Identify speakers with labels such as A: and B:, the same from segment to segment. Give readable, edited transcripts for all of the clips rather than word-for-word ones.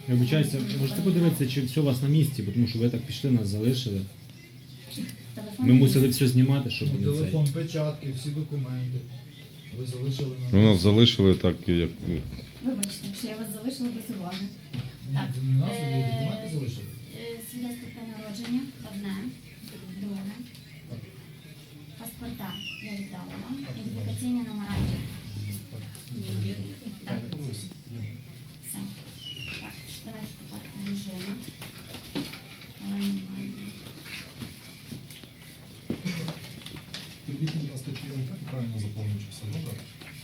A: Я вибачаюся, можете подивитися, чи все у вас на місці, бо тому що ви так пішли, нас залишили. Ми мусили все знімати, щоб не цей.
B: Телефон, печатки, всі документи. Ви залишили
C: Ви
B: на
C: нас залишили так, як...
D: Вибачте, що я вас залишила без уваги. Так.
B: Не нас, ви документи залишили?
D: Свідоцтво про народження, одне, друге. Паспорта я віддала вам. Ідентифікаційні номера є. Так. Все. Так, давайте тепер режими.
E: Підвіть, будь ласка, чи я так правильно заповню, чи все добре?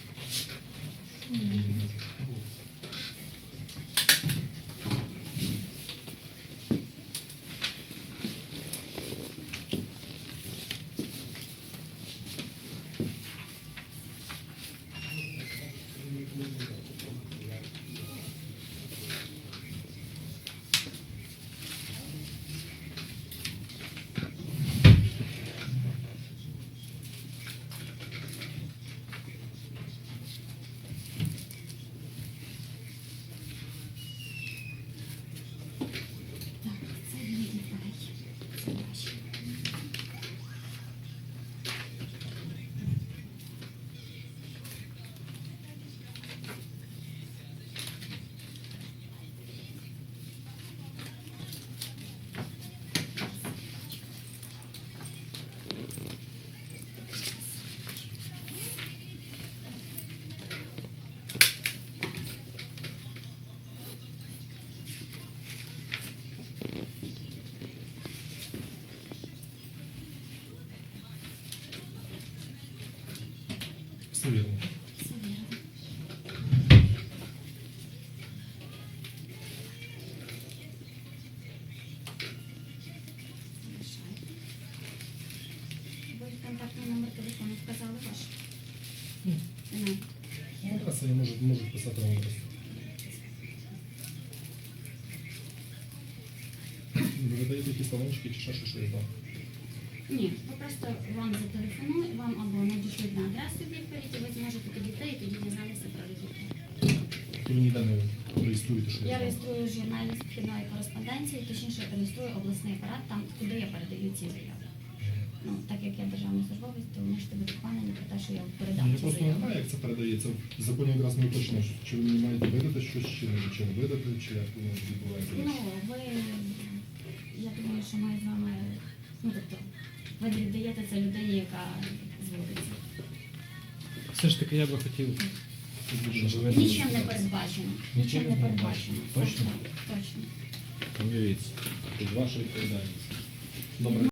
D: Це мій дітей. Це ваші.
E: Все вірно.
D: Все вірно. Залишайте. Ви контактний номер телефону вказали ваш? Немає.
E: Ну, якраз я можу писати вам просто. Ви видаєте якісь талончики чи ще щось я знаю?
D: Ні, ви просто вам зателефонують, вам або надішлють на адресу відповідь, і ви зможете підійти і тоді дізнатися про результат.
E: Ви ніде не реєструєте, що
D: Я
E: знаю?
D: реєструю журналі з вхідної кореспонденції, точніше реєструю обласний апарат, там, куди я передаю ці заяви. Ну, так як я державний службовець, то ви можете бути впевнені про те, що я передам
E: Я
D: ці
E: просто не
D: заяви.
E: знаю, як це передається. В законі якраз не уточнено, чи ви мені маєте видати щось, чи не видати, чи як воно відбувається.
D: Ну, ви, я думаю, що ми з вами, ну, тобто, ви віддаєте це людині, яка зводиться.
A: Все ж таки я би хотів, щоб ви
D: Нічим не передбачено. Нічим не передбачено.
A: Точно?
D: Точно.
A: Дивіться, тут ваша відповідальність.
E: Добре.